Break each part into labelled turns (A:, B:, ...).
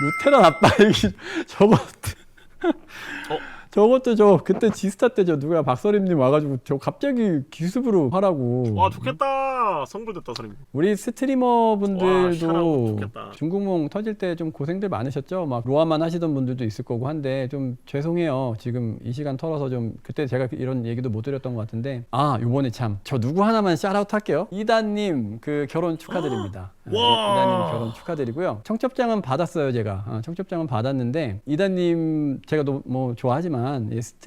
A: 루테란 아빠 얘기 저거 저것도 저 그때 지스타 때 저 누가 박서림님 와가지고 저 갑자기 기습으로 하라고.
B: 와 좋겠다. 성불됐다 서림.
A: 우리 스트리머
B: 와,
A: 분들도
B: 샤라고 좋겠다.
A: 중국몽 터질 때 좀 고생들 많으셨죠? 막 로아만 하시던 분들도 있을 거고 한데 좀 죄송해요. 지금 이 시간 털어서 좀 그때 제가 이런 얘기도 못 드렸던 것 같은데 요번에 참 저 누구 하나만 샤라웃 할게요. 이다님 그 결혼 축하드립니다.
B: 와.
A: 이다님 결혼 축하드리고요. 청첩장은 받았어요 제가. 청첩장은 받았는데 이다님 제가 뭐 좋아하지만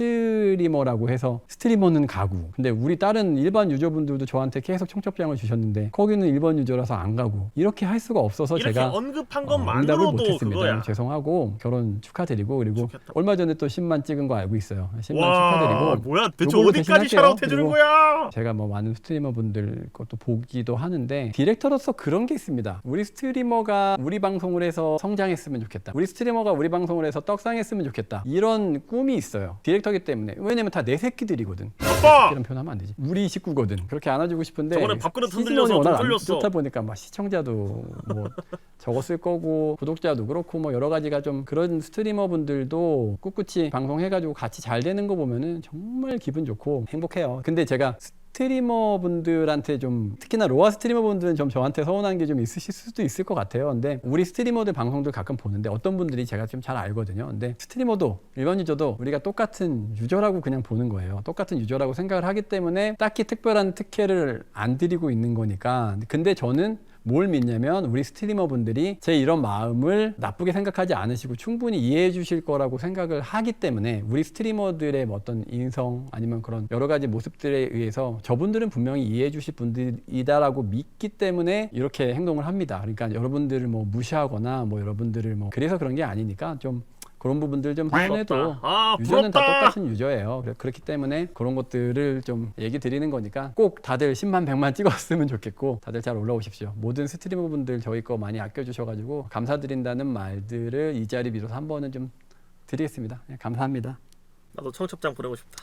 A: 스트리머라고 해서 스트리머는 가고 근데 우리 다른 일반 유저분들도 저한테 계속 청첩장을 주셨는데 거기는 일반 유저라서 안 가고 이렇게 할 수가 없어서
B: 이렇게
A: 제가
B: 언급한
A: 응답을
B: 것만으로도
A: 못했습니다.
B: 그거야.
A: 죄송하고 결혼 축하드리고 그리고
B: 좋겠다.
A: 얼마 전에 또 10만 찍은 거 알고 있어요. 10만
B: 와
A: 축하드리고
B: 뭐야 대체
A: 요걸로
B: 어디까지
A: 대신할게요.
B: 샤라웃 해주는
A: 그리고
B: 거야?
A: 제가 뭐 많은 스트리머 분들 것도 보기도 하는데 디렉터로서 그런 게 있습니다. 우리 스트리머가 우리 방송을 해서 성장했으면 좋겠다. 우리 스트리머가 우리 방송을 해서 떡상했으면 좋겠다. 이런 꿈이 있어요. 디렉터기 때문에. 왜냐면 다 내 새끼들이거든.
B: 아빠!
A: 이런 표현하면 안 되지. 우리 식구거든. 그렇게 안아주고 싶은데
B: 저번에 밥그릇
A: 시즌원이
B: 흔들려서
A: 워낙
B: 돈
A: 안
B: 쏠렸어.
A: 좋다 보니까 막 시청자도 뭐 적었을 거고 구독자도 그렇고 뭐 여러 가지가 좀 그런 스트리머 분들도 꿋꿋이 방송해가지고 같이 잘 되는 거 보면은 정말 기분 좋고 행복해요. 근데 제가 스트리머 분들한테 좀 특히나 로아 스트리머 분들은 좀 저한테 서운한 게 좀 있으실 수도 있을 것 같아요. 근데 우리 스트리머들 방송들 가끔 보는데 어떤 분들이 제가 좀 잘 알거든요. 근데 스트리머도 일반 유저도 우리가 똑같은 유저라고 그냥 보는 거예요. 똑같은 유저라고 생각을 하기 때문에 딱히 특별한 특혜를 안 드리고 있는 거니까. 근데 저는 뭘 믿냐면 우리 스트리머 분들이 제 이런 마음을 나쁘게 생각하지 않으시고 충분히 이해해 주실 거라고 생각을 하기 때문에 우리 스트리머들의 뭐 어떤 인성 아니면 그런 여러 가지 모습들에 의해서 저분들은 분명히 이해해 주실 분들이다라고 믿기 때문에 이렇게 행동을 합니다. 그러니까 여러분들을 뭐 무시하거나 뭐 여러분들을 뭐 그래서 그런 게 아니니까 좀 그런 부분들 좀 손해도 유저는 다 똑같은 유저예요. 그렇기 때문에 그런 것들을 좀 얘기 드리는 거니까 꼭 다들 10만 100만 찍었으면 좋겠고 다들 잘 올라오십시오. 모든 스트리머 분들 저희 거 많이 아껴주셔가지고 감사드린다는 말들을 이 자리 빌어서 한 번은 좀 드리겠습니다. 감사합니다.
B: 나도 청첩장 보내고 싶다.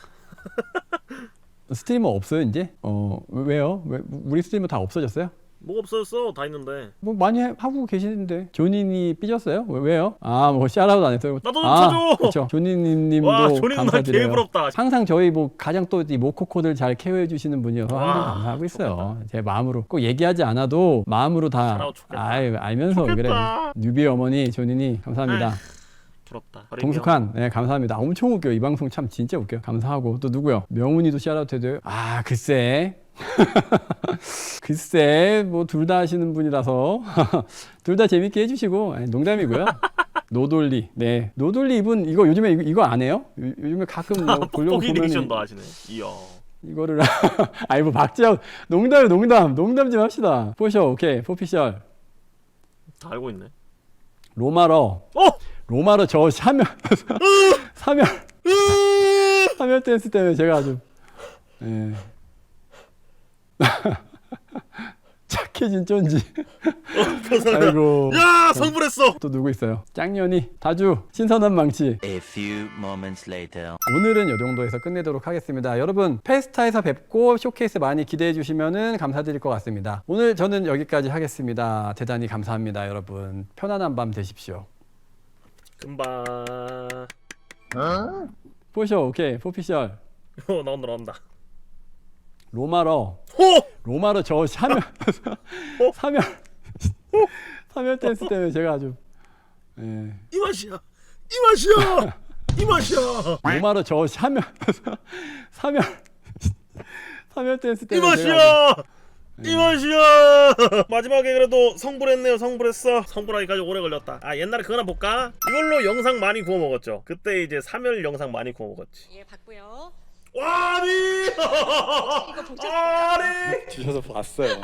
A: 스트리머 없어요 이제? 왜요? 우리 스트리머 다 없어졌어요?
B: 뭐가 없어졌어? 다 있는데.
A: 뭐 많이 하고 계시는데 조니니 삐졌어요? 왜요? 뭐 샤라웃 안 했어요?
B: 나도 좀 쳐줘!
A: 그렇죠. 조니님도
B: 와 조니는 날
A: 감사드려요.
B: 개부럽다.
A: 항상 저희 뭐 가장 또 이 모코코들 잘 케어해 주시는 분이어서 항상
B: 와,
A: 감사하고 있어요. 제 마음으로 꼭 얘기하지 않아도 마음으로 다
B: 샤라웃 좋겠다.
A: 알면서 그래.
B: 좋겠다.
A: 뉴비 어머니 조니니 감사합니다.
B: 부럽다.
A: 동숙한 네 감사합니다. 엄청 웃겨. 이 방송 참 진짜 웃겨. 감사하고 또 누구요? 명훈이도 샤라웃 해줘요. 글쎄. 글쎄 뭐 둘 다 하시는 분이라서 둘 다 재밌게 해주시고 농담이고요. 노돌리 네 노돌리 이분 이거 요즘에 이거 안 해요? 요즘에 가끔 뭐 보려고
B: 뽁뽁이
A: 보면
B: 리액션도 하시네. 이야.
A: 이거를 뭐 박지영 농담 좀 합시다. 포셔 오케이 포피셜
B: 다 알고 있네.
A: 로마러 저 사멸 댄스 때문에 제가 아주 착해진 쩐지. 아이고.
B: 야 성불했어.
A: 또 누구 있어요? 짱년이 다주 신선한 망치.
C: A few moments later.
A: 오늘은 이 정도에서 끝내도록 하겠습니다. 여러분 페스타에서 뵙고 쇼케이스 많이 기대해 주시면은 감사드릴 것 같습니다. 오늘 저는 여기까지 하겠습니다. 대단히 감사합니다. 여러분 편안한 밤 되십시오.
B: 금방.
A: 포셔 오케이 포피셜
B: 나온다.
A: 로마러 저 사멸 댄스 때문에 제가 아주
B: 이 맛이야.
A: 로마러 저 사멸 댄스
B: 이
A: 때문에 제가
B: 맛이야. 이 맛이야. 마지막에 그래도 성불했네요. 성불하기까지 오래 걸렸다. 옛날에 그거 하나 볼까? 이걸로 영상 많이 구워 먹었죠. 그때 이제 3열 영상 많이 구워 먹었지.
D: 예, 봤고요.
B: 와니.
D: 이거 보셨어요?
A: 주셔서 봤어요.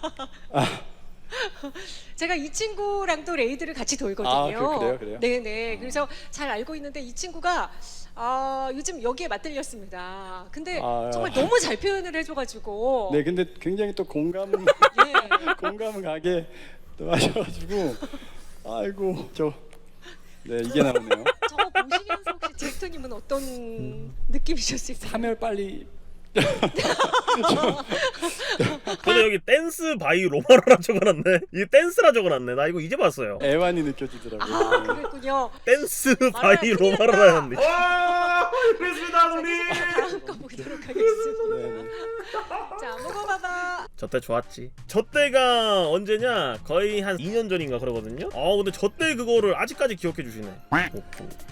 D: 제가 이 친구랑도 레이드를 같이 돌거든요.
A: 그래요?
D: 네네. 그래서 잘 알고 있는데 이 친구가 요즘 여기에 맞들렸습니다. 근데 정말 너무 잘 표현을 해줘가지고.
A: 네, 근데 굉장히 또 공감 가게 또 하셔가지고 아이고 이게 나오네요.
D: 저거 보시면서 혹시 디렉터님은 어떤 느낌이셨을까요?
A: 사멸 빨리
B: 근데 여기 댄스 바이 로마로라 적어놨네. 이 댄스라 적어놨네. 나 이거 이제 봤어요.
A: 애환이 느껴지더라고요.
D: 아 그랬군요.
B: 댄스
D: 알아요.
B: 바이
D: 큰일
B: 로마로라였네.
C: 그렇습니다,
D: 다음 거 보도록 하겠습니다.
A: 네.
D: 자 먹어봐봐.
B: 저 때 좋았지. 저 때가 언제냐? 거의 한 2년 전인가 그러거든요. 근데 저 때 그거를 아직까지 기억해 주시네.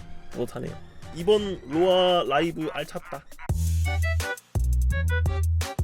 B: 못하네요. 이번 로아 라이브 알찼다.